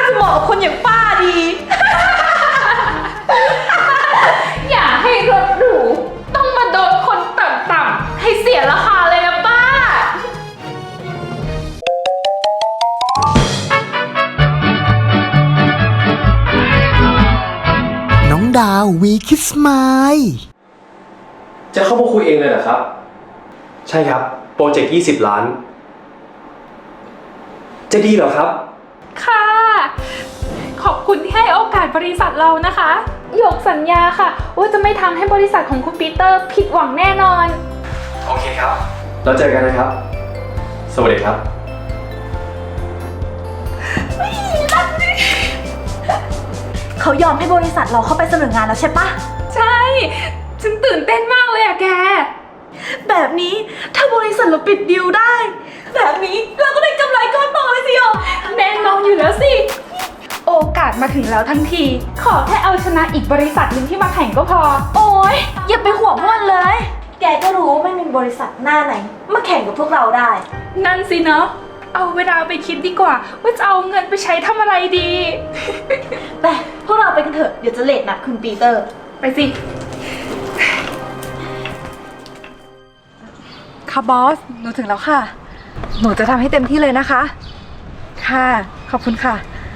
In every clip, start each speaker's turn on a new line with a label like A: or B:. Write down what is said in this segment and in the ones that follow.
A: จะเหมาะกับคนอย่างป้าดี
B: อย่าให้รถหรูต้องมาโดนคนต่ำๆให้เสียราคาเลยนะป้า
C: น้องดาววีคิสมาย
D: จะเข้ามาคุยเองเลยเหรอครับ ใช่ครับ โปรเจกต์20 ล้าน จะดีเหรอครับ
B: ค่ะ ขอบคุณที่ให้โอกาสบริษัทเรานะคะหยกสัญญาค่ะว่าจะไม่ทำให้บริษัทของคุณปีเตอร์ผิดหวังแน่นอน
D: โอเคครับ เราเจอกันนะครับ สวัสดีครับ
A: เขายอมให้บริษัทเราเข้าไปเสนองานแล้วใช่ปะ
B: ใช่ ฉันตื่นเต้นมากเลยอะแก
A: แบบนี้ถ้าบริษัทเราปิดดีลได้ แบบนี้เราก็ได้กำไรก้อนโตเลยสิโย
B: แน่นอนอยู่แล้วสิ โอกาสมาถึงแล้วทั้งที ขอแค่เอาชนะอีกบริษัทหนึ่งที่มาแข่งก็พอ
A: โอ๊ยอย่าไปห่วงมันเลย แกก็รู้ว่าไม่มีบริษัทหน้าไหนมาแข่งกับพวกเราได้
B: นั่นสิเนาะ เอาเวลาไปคิดดีกว่า ว่าจะเอาเงินไปใช้ทำอะไรดี
A: แต่พวกเราไปกันเถอะเดี๋ยวจะเลทนัดคุณปีเตอร์
B: ไปสิ
E: ค่ะบอส หนูถึงแล้วค่ะ หนูจะทำให้เต็มที่เลยนะคะ ค่ะ ขอบคุณค่ะ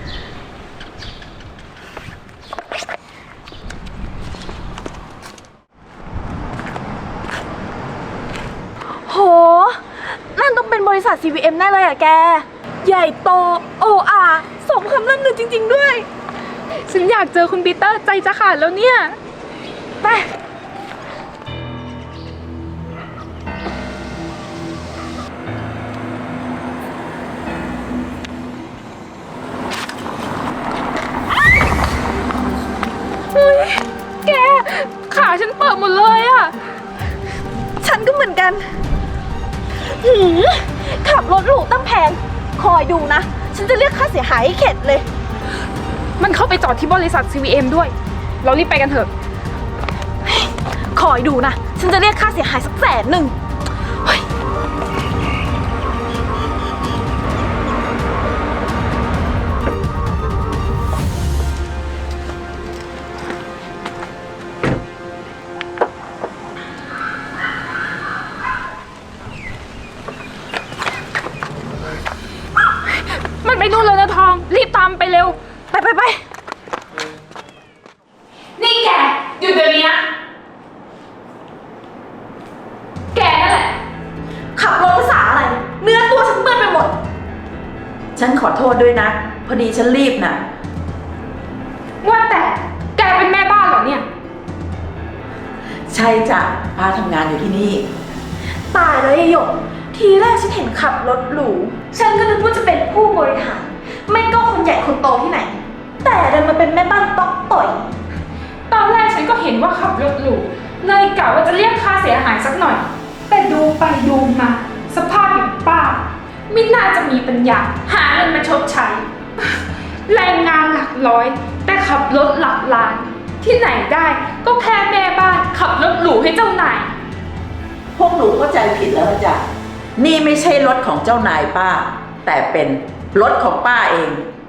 A: โห นั่นต้องเป็นบริษัท CVM แน่เลยอะแก ใหญ่โต OR สมคำล่ำลือจริงๆด้วย
B: ฉันอยากเจอคุณปีเตอร์ใจจะขาดแล้วเนี่ย
A: ไป
B: เฮ้ย แก ขาฉันเปิดหมดเลยอะ
A: ฉันก็เหมือนกันขับรถหรูตั้งแพง คอยดูนะ ฉันจะเรียกค่าเสียหายให้เข็ดเลย
B: มันเข้าไปจอดที่บริษัท CVM ด้วย เรารีบไปกันเถอะ
A: คอยดูนะ ฉันจะเรียกค่าเสียหายสัก100,000เฮ้ย
B: มันไปนู่นแล้วนะทอง รีบตามไปเร็ว
A: ไป
B: นี่แก หยุดเดี๋ยวนี้นะ แกนั่นแหละ
A: ขับรถภาษาอะไร เนื้อตัวฉันเปื้อนไปหมด
F: ฉันขอโทษด้วยนะ พอดีฉันรีบน่ะ
B: ว่าแต่แกเป็นแม่บ้านเหรอเนี่ย
F: ใช่จ้ะป้าทำงานอยู่ที่นี่
A: ตายแล้วยายหยก ทีแรกฉันเห็นขับรถหรู ฉันก็นึกว่าจะเป็นผู้บริหาร ไม่ก็คนใหญ่คนโตที่ไหน แต่ดันมาเป็นแม่บ้านต๊อกต่อย
B: ตอนแรกฉันก็เห็นว่าขับรถหรูเลยกะว่าจะเรียกค่าเสียหายสักหน่อย แต่ดูไปดูมา สภาพอย่างป้า ไม่น่าจะมีปัญญาหาเงินมาชดใช้ แรงงานหลักร้อย แต่ขับรถหลักล้าน ที่ไหนได้ก็แค่แม่บ้านขับรถหรูให้เจ้านาย
F: พวกหนูเข้าใจผิดแล้วนะจ้ะนี่ไม่ใช่รถของเจ้านายป้า แต่เป็นรถของป้าเอง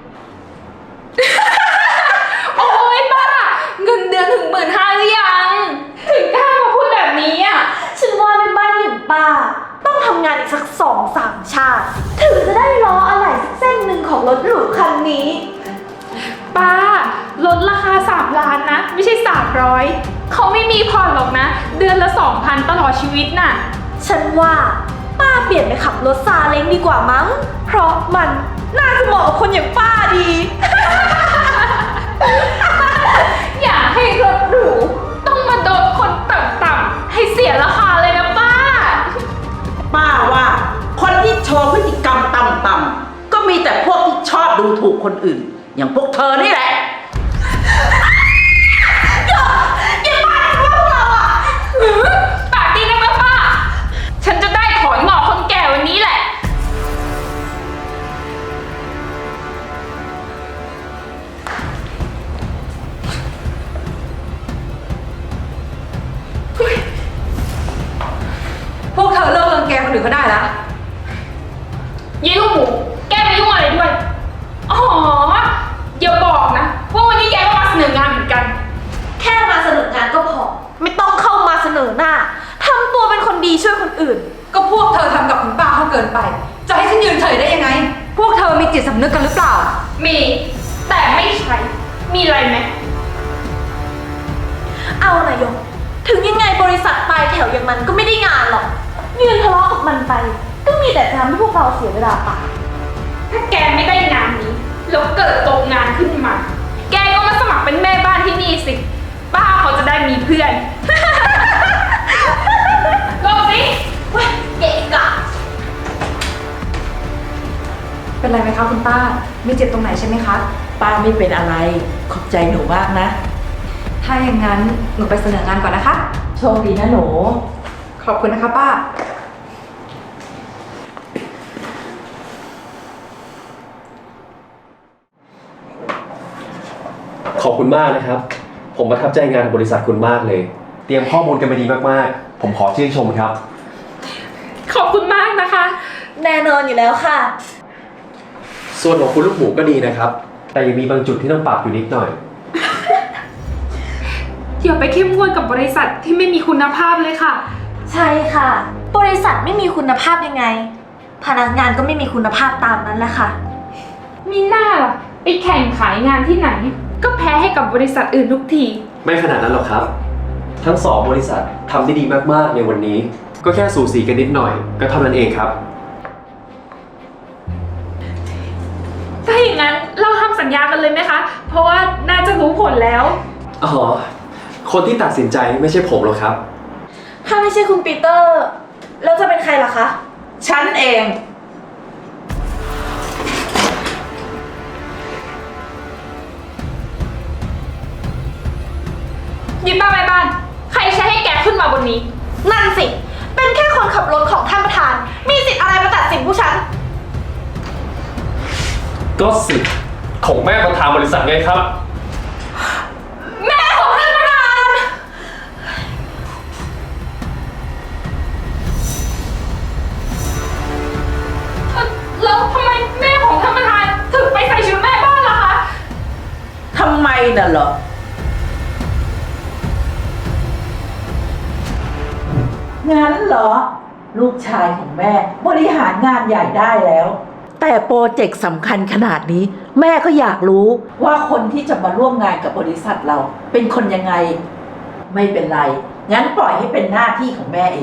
B: โอ๊ยป้า เงินเดือนถึง15,000หรือยัง ถึงกล้ามาพูดแบบนี้อ่ะ
A: ฉันว่าแม่บ้านอย่างป้า ต้องทำงานอีกสัก2-3 ชาติ ถึงจะได้ล้ออะไรสักเส้นหนึ่งของรถหรูคันนี้
B: ป้าลดราคา3 ล้านนะ ไม่ใช่300เขาไม่มีผ่อนหรอกนะ เดือนละ 2,000 ตลอดชีวิตน่ะ
A: ฉันว่าป้าเปลี่ยนไปขับรถซาเล้งดีกว่ามั้ง เพราะมันน่าจะเหมาะกับคนอย่างป้าดี
B: อย่าให้รถหรูต้องมาโดนคนต่ำๆให้เสียราคาเลยนะป้า
F: ป้าว่าคนที่โชว์พฤติกรรมต่ำๆก็มีแต่พวกที่ชอบดูถูกคนอื่น อย่างพวกเธอนี่แหละ
B: ปากดีนักนะป้า ฉันจะได้ถอนงอกคนแก่วันนี้แหละ
E: พวกเธอเลิกรังแกคนอื่นก็ได้ละ
B: ยี่ลูกหมู แกไปยุ่งอะไรด้วย อ๋อมีอะไรไหม
A: เอานายก ถึงยังไงบริษัทปลายแถวอย่างมันก็ไม่ได้งานหรอกยืนทะเลาะกับมันไป ก็มีแต่จะทำให้พวกเราเสียเวลาเปล่า
B: ถ้าแกไม่ได้งานนี้แล้วเกิดตกงานขึ้นมา แกก็มาสมัครเป็นแม่บ้านที่นี่สิ ป้าเขาจะได้มีเพื่อน ลงสิ
A: เว้ยเกะกะ
E: เป็นไรไหมคะคุณป้า ไม่เจ็บตรงไหนใช่ไหมคะ
F: ป้าไม่เป็นอะไร ขอบใจหนูมากนะ
E: ถ้าอย่างนั้นหนูไปเสนองานก่อนนะคะ
F: โชคดีนะหนู
E: ขอบคุณนะคะป้า
D: ขอบคุณมากนะครับ ผมประทับใจงานบริษัทคุณมากเลย เตรียมข้อมูลกันมาดีมากๆ ผมขอชื่นชมครับ
B: ขอบคุณมากนะคะ
A: แน่นอนอยู่แล้วค่ะ
D: ส่วนของคุณลูกหมูก็ดีนะครับ แต่ยังมีบางจุดที่ต้องปรับอยู่นิดหน่อย
B: อย่าไปเข้มงวดกับบริษัทที่ไม่มีคุณภาพเลยค่ะ
A: ใช่ค่ะ บริษัทไม่มีคุณภาพยังไง พนักงานก็ไม่มีคุณภาพตามนั้นแหละค่ะ
B: มีหน้าล่ะไปแข่งขายงานที่ไหน ก็แพ้ให้กับบริษัทอื่นทุกที
D: ไม่ขนาดนั้นหรอกครับ ทั้งสองบริษัททำได้ดีมากๆในวันนี้ ก็แค่สูสีกันนิดหน่อย ก็เท่านั้นเองครับ
B: ถ้าอย่างนั้นเราทำสัญญากันเลยไหมคะ เพราะว่าน่าจะรู้ผลแล้ว
D: อ๋อ คนที่ตัดสินใจไม่ใช่ผมหรอกครับ
A: ถ้าไม่ใช่คุณปีเตอร์ แล้วจะเป็นใครล่ะคะ
F: ฉันเอง
B: ยิบป้าแม่บ้าน ใครใช้ให้แกขึ้นมาบนนี้
A: นั่นสิ เป็นแค่คนขับรถของท่านประธาน มีสิทธิ์อะไรมาตัดสินผู้ฉัน
D: ก็สิทธิ์ของแม่ประธานบริษัทไงครับ
B: แม่ของท่านประธานแล้วทำไมแม่ของท่านประธานถึงไปใส่ชุดแม่บ้านล่ะคะ
F: ทำไมน่ะเหรอ งั้นเหรอ ลูกชายของแม่บริหารงานใหญ่ได้แล้ว แต่โปรเจกต์สำคัญขนาดนี้ แม่ก็อยากรู้ว่าคนที่จะมาร่วมงานกับบริษัทเรา เป็นคนยังไง ไม่เป็นไร งั้นปล่อยให้เป็นหน้าที่ของแม่เอง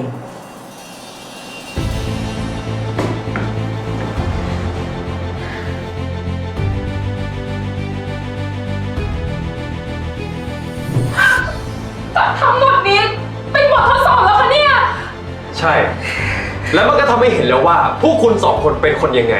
B: ทั้งหมดนี้เป็นบททดสอบแล้วคะเนี่ย
D: ใช่ แล้วมันก็ทำให้เห็นแล้วว่าพวกคุณสองคนเป็นคนยังไง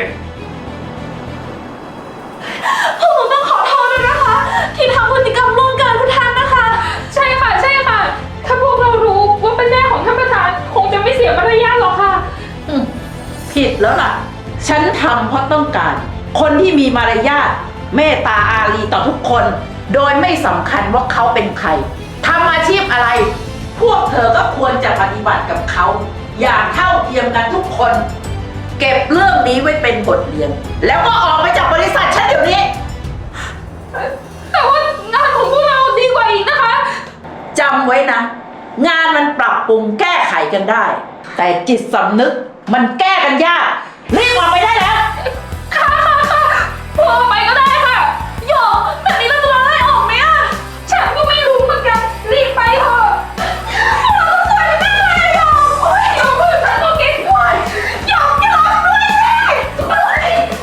A: พวกหนูต้องขอโทษด้วยนะคะ ที่ทำพฤติกรรมล่วงเกินคุณท่านนะคะ
B: ใช่ค่ะ ใช่ค่ะ ถ้าพวกเรารู้ว่าเป็นแม่ของท่านประธาน คงจะไม่เสียมารยาทหรอกค่ะ
F: ผิดแล้วล่ะ ฉันทำเพราะต้องการ คนที่มีมารยาทเมตตาอารีต่อทุกคน โดยไม่สำคัญว่าเขาเป็นใครทำอาชีพอะไร พวกเธอก็ควรจะปฏิบัติกับเขา อย่างเท่าเทียมกันทุกคน เก็บเรื่องนี้ไว้เป็นบทเรียน แล้วก็ออกไปจากบริษัทฉันเดี๋ยวนี้
B: แต่ว่างานของพวกเราดีกว่าอีกนะคะ
F: จำไว้นะ งานมันปรับปรุงแก้ไขกันได้ แต่จิตสำนึกมันแก้กันยากรีบออกไปได้แล้ว
B: ค่ะพวกเราไปก็ได้ค่ะ
A: โยกแบบนี้เราจะไล่ออกไหมอะ
B: ฉันก็ไม่รู้เหมือนกัน รีบไปเถอะเราต้องสวยแน่เลยโยมโอ้ยโยมพูดฉันก็เก่งด้วยโยมอย่าร้องด้วยสิ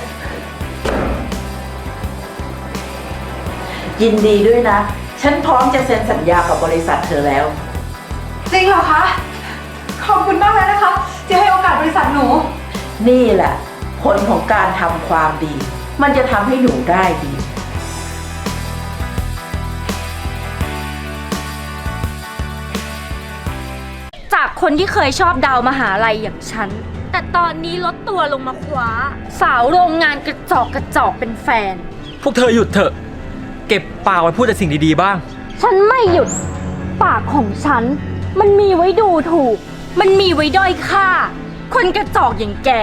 F: ยินดีด้วยนะ ฉันพร้อมจะเซ็นสัญญากับบริษัทเธอแล้ว
E: จริงเหรอคะ ขอบคุณมากเลยนะคะ ที่ให้โอกาสบริษัทหนู
F: นี่แหละ ผลของการทำความดี มันจะทำให้หนูได้ดี
G: จากคนที่เคยชอบดาวมหาลัยอย่างฉัน แต่ตอนนี้ลดตัวลงมาคว้า สาวโรงงานกระจอกกระจอกเป็นแฟน
H: พวกเธอหยุดเถอะ เก็บปากไว้พูดแต่สิ่งดีๆบ้าง
G: ฉันไม่หยุด ปากของฉัน มันมีไว้ดูถูก มันมีไว้ด้อยค่า คนกระจอกอย่างแก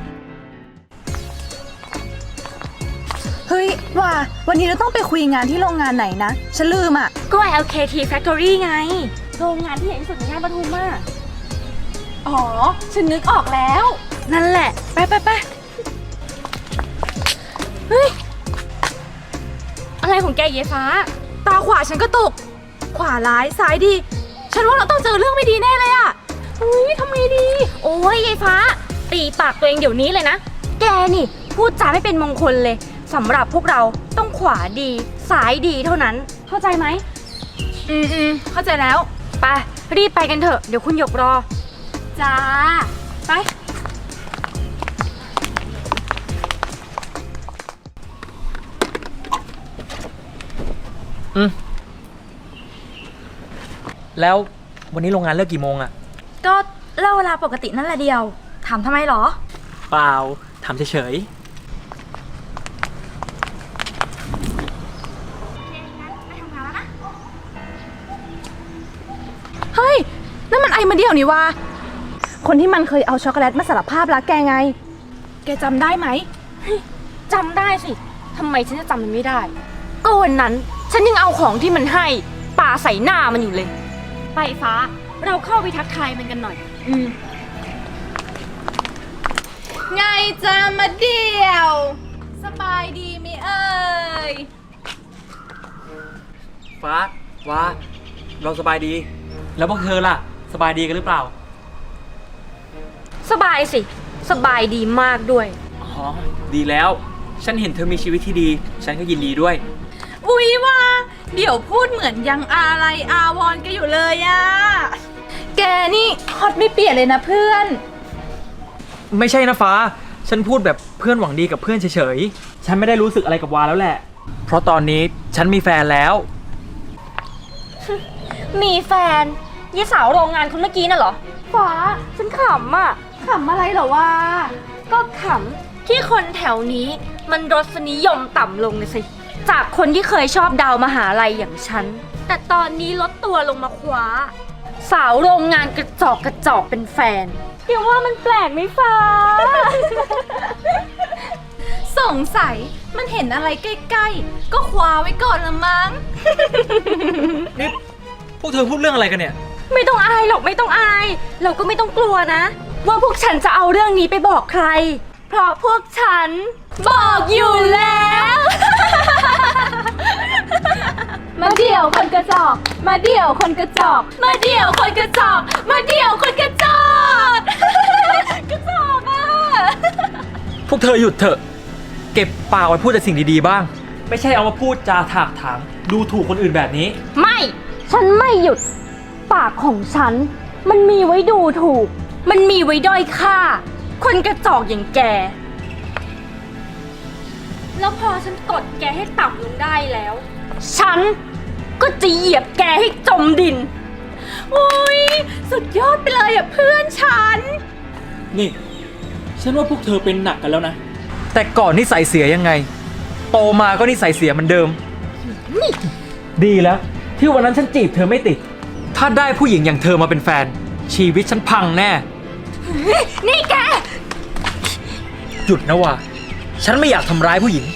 I: เฮ้ยว่าวันนี้เราต้องไปคุยงานที่โรงงานไหนนะ ฉันลืมอ่ะ
G: ก็ LKT Factory ไง โรงงานที่ใหญ่ที่สุดในย่านปทุมอ่ะ
I: อ๋อ ฉันนึกออกแล้ว
G: นั่นแหละ
I: ไปไปไป
G: เฮ้ย อะไรของแกเยฟ้า
E: ตาขวาฉันก็ตก ขวาร้ายซ้ายดี ฉันว่าเราต้องเจอเรื่องไม่ดีแน่เลยอะอุ้ยทำไงดี
G: โอ้ยเยฟ้า ตีปากตัวเองเดี๋ยวนี้เลยนะ แกนี่พูดจาไม่เป็นมงคลเลยสำหรับพวกเราต้องขวาดีซ้ายดีเท่านั้น เข้าใจไหม
E: เข้าใจแล้ว
G: ไปรีบไปกันเถอะเดี๋ยวคุณหยกรอ จ้า ไป
H: แล้ววันนี้โรงงานเลิกกี่โมงอะ
E: ก็เล่าเวลาปกตินั่นแหละเดียว ถามทำไมหรอ
H: เปล่าถามเฉย
E: เฮ้ย นั่นมันไอมาเดียวนี่วะคนที่มันเคยเอาช็อกโกแลตมาสารภาพรักแกไง แกจำได้ไหม
G: จำได้สิ ทำไมฉันจะจำมันไม่ได้ ก็วันนั้นฉันยังเอาของที่มันให้ปาใส่หน้ามันอยู่เลย ไปฟ้า เราเข้าไปทักทายมันกันหน่อย
E: ไงจะมาเดียว สบายดีไหมเอ่ย
H: ๆฟ้าว่าเราสบายดี แล้วพวกเธอล่ะ สบายดีกันหรือเปล่า
G: สบายสิ สบายดีมากด้วย
H: อ๋อ ดีแล้ว ฉันเห็นเธอมีชีวิตที่ดี ฉันก็ยินดีด้วย
E: อุ๊ยว่า เดี๋ยวพูดเหมือนยังอะไรอาวรกันอยู่เลยอะแกนี่ฮอตไม่เปลี่ยนเลยนะเพื่อน
H: ไม่ใช่นะฟ้า ฉันพูดแบบเพื่อนหวังดีกับเพื่อนเฉยๆ ฉันไม่ได้รู้สึกอะไรกับวาแล้วแหละ เพราะตอนนี้ฉันมีแฟนแล้ว
G: มีแฟนยี่สาวโรงงานคนเมื่อกี้น่ะเหรอ ฟ้า ฉันขำอ่ะ
E: ขำอะไรเหรอวะ
G: ก็ขำที่คนแถวนี้มันรสนิยมต่ำลงนะสิ จากคนที่เคยชอบดาวมหาลัยอย่างฉัน แต่ตอนนี้ลดตัวลงมาคว้า สาวโรงงานกระจอกเป็นแฟนเดี๋ยวว่ามันแปลกไหมฟ้า
E: สงสัยมันเห็นอะไรใกล้ๆ ก็คว้าไว้ก่อนละมั้ง
H: นี่ พวกเธอพูดเรื่องอะไรกันเนี่ย
G: ไม่ต้องอายหรอกไม่ต้องอาย เราก็ไม่ต้องกลัวนะ ว่าพวกฉันจะเอาเรื่องนี้ไปบอกใคร เพราะพวกฉันบอกอยู่แล้ว
E: มาเดี่ยวคนกระจอก มาเดี่ยวคนกระจอก มาเดี่ยวคนกระจอก มาเดี่ยวคนกระจอก กระจอกอ่ะ
H: พวกเธอหยุดเถอะ เก็บปากไว้พูดแต่สิ่งดีๆบ้าง ไม่ใช่เอามาพูดจาถากถางดูถูกคนอื่นแบบนี้
G: ไม่ ฉันไม่หยุด ปากของฉัน มันมีไว้ดูถูก มันมีไว้ด้อยค่า คนกระจอกอย่างแก แล้วพอฉันกดแกให้ต่ำลงได้แล้ว ฉันก็จะเหยียบแกให้จมดิน
E: อุ้ยสุดยอดไปเลยอ่ะเพื่อนฉัน
H: นี่ ฉันว่าพวกเธอเป็นหนักกันแล้วนะ แต่ก่อนนิสัยเสียยังไง โตมาก็นิสัยเสียเหมือนเดิม ดีแล้ว ที่วันนั้นฉันจีบเธอไม่ติด ถ้าได้ผู้หญิงอย่างเธอมาเป็นแฟน ชีวิตฉันพังแน่
G: นี่แก
H: หยุดนะว่า ฉันไม่อยากทำร้ายผู้หญิง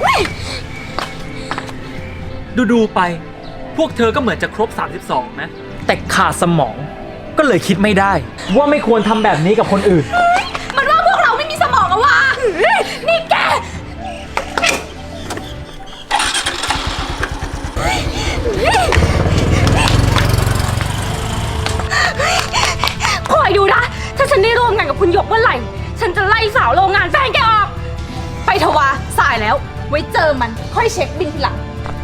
H: ดูไป พวกเธอก็เหมือนจะครบ 32 นะ แต่ขาดสมอง ก็เลยคิดไม่ได้ ว่าไม่ควรทำแบบนี้กับคนอื่น
E: มันว่าพวกเราไม่มีสมองอะวะนี่แก
G: คอยดูนะ ถ้าฉันได้ร่วมงานกับคุณหยกเมื่อไหร่ ฉันจะไล่สาวโรงงานแฟนแกออก
E: ไปเถอะวะสายแล้ว ไว้เจอมันค่อยเช็คบินทีหลัง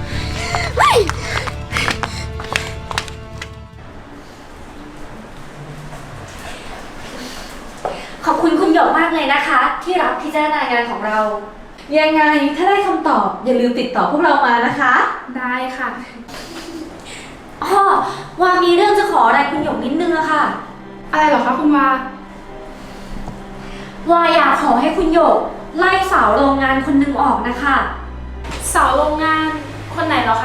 G: ขอบคุณคุณหยกมากเลยนะคะ ที่รับพิจารณางานของเรา
A: ยังไงถ้าได้คำตอบอย่าลืมติดต่อพวกเรามานะคะ
B: ได้ค่ะ
G: อ้อวามีเรื่องจะขออะไรคุณหยกนิดนึงอะค่ะ
B: อะไรเหรอคะคุณวา
G: วาอยากขอให้คุณหยกไล่สาวโรงงานคนหนึงออกนะคะ
B: สาวโรงงานคนไหนเหรอคะ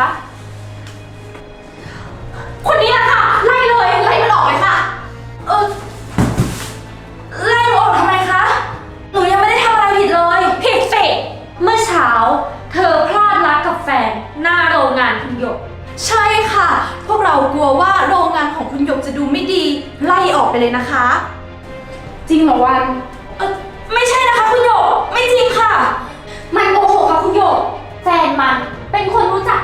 G: คนนี้แหละค่ะ ไล่เลยไล่มันออกเลยค่ะ ไล่หนูออกทำไมคะ หนูยังไม่ได้ทำอะไรผิดเลย ผิดสิ เมื่อเช้า เธอพลาดรักกับแฟนหน้าโรงงานคุณหยก
A: ใช่ค่ะ พวกเรากลัวว่าโรงงานของคุณหยกจะดูไม่ดี ไล่ออกไปเลยนะคะ
B: จริงเหรอวัน
G: ไม่ใช่นะคะคุณหยก ไม่จริงค่ะ มันโกหกค่ะคุณหยก แฟนมันเป็นคนรู้จัก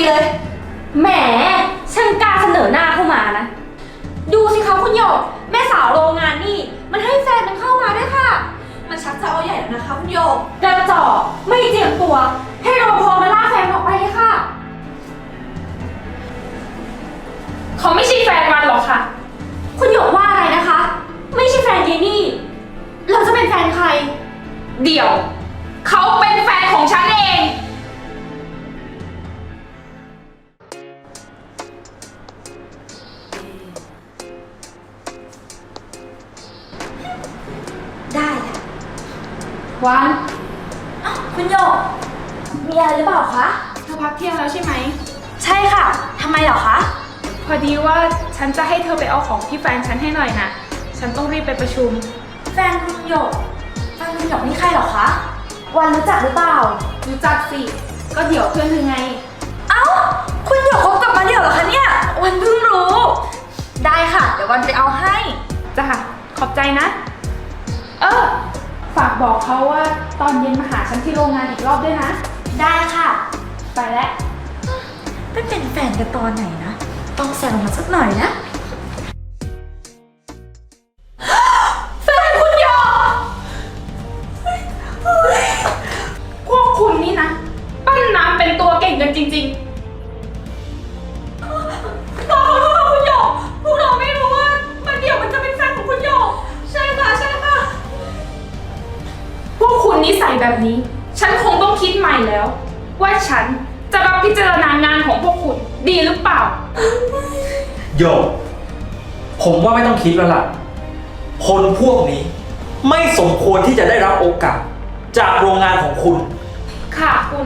A: เลย
G: แหมช่างกล้าเสนอหน้าเข้ามานะ ดูสิคะคุณหยก แม่สาวโรงงานนี่ มันให้แฟนมันเข้ามาด้วยค่ะ
A: มันชักจะเอาใหญ่แล้วนะคะคุณโยก
G: กระจอกไม่เจียมตัว ให้รปภมาล่าแฟนออกไปเลยค่ะ
B: เขาไม่ใช่แฟนมันหรอกค่ะ
G: คุณหยกว่าอะไรนะคะ ไม่ใช่แฟนเยนี่ เราจะเป็นแฟนใคร
B: เดี๋ยว เขาเป็นแฟนของฉันเอง
A: ได้ค่ะ
B: วัน
A: คุณโยก มีอะไรหรือเปล่าคะ
B: เธอพักเที่ยงแล้วใช่ไหม
A: ใช่ค่ะ ทำไมเหรอคะ
B: พอดีว่าฉันจะให้เธอไปเอาของที่แฟนฉันให้หน่อยนะ ฉันต้องรีบไปประชุม
A: แฟนคุณโยก แฟนคุณโยกนี่ใครเหรอคะ วันรู้จักหรือเปล่า
B: รู้จักสิ ก็เดี๋ยวเพื่อนเธอไง
A: เอ้า คุณโยกคบกับมาเดี่ยวเหรอคะเนี่ย วันเพิ่งรู้ ได้ค่ะ เดี๋ยววันไปเอาให้
B: จ้ะ ขอบใจนะ ฝากบอกเขาว่าตอนเย็นมาหาฉันที่โรงงานอีกรอบด้วยนะ
A: ได้ค่ะ
B: ไปแล้ว
A: ไปเป็นแฟนกันตอนไหนนะ ต้องแซวมาสักหน่อยนะ
B: แฟนคุณหยกพวกคุณนี่นะ ปั้นน้ำเป็นตัวเก่งกันจริงๆขอโทษค่ะคุณหยกพวกเราไม่รู้ว่ามันเดี๋ยวมันจะเป็นแฟนของคุณหยกใช่ค่ะใช่ค่ะ พวกคุณนิสัยแบบนี้ ฉันคงต้องคิดใหม่แล้ว ว่าฉันจะรับพิจารณางานของพวกคุณดีหรือเปล่า
H: โยก ผมว่าไม่ต้องคิดแล้วล่ะ คนพวกนี้ ไม่สมควรที่จะได้รับโอกาส จากโรงงานของคุณ
B: ค่ะคุณ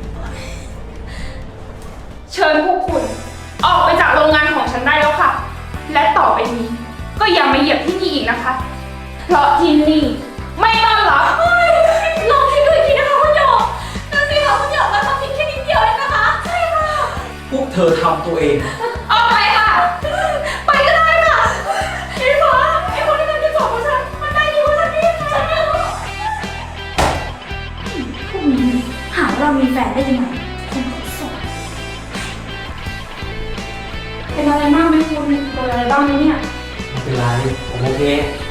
B: เชิญพวกคุณ ออกไปจากโรงงานของฉันได้แล้วค่ะ และต่อไปนี้ ก็อย่ามาเหยียบที่นี่อีกนะคะ เพราะที่นี่ไม่ต้อนรับ
A: ลองคิดดูอีกทีนะคะคุณโยกนั่นสิคะคุณโยกเราทำผิดแค่นิดเดียวเองนะคะ ใช่ค่ะ
H: พวกเธอทำตัวเอง
B: ออกไปค่ะ
A: ไปก็ได้ค่ะไอ้ฟ้าไอ้คนที่มันจะจบกับฉัน มันได้ดีกว่าฉันนี่ฉันไม่รู้พวกนี้หาว่าเรามีแฟนได้ยังไงคนเขาสอน
B: เป็นอะไรมากไหมคุณโดนอะไรบ้างไหมเนี่ย
H: ไม่เป็นไร ผมโอเค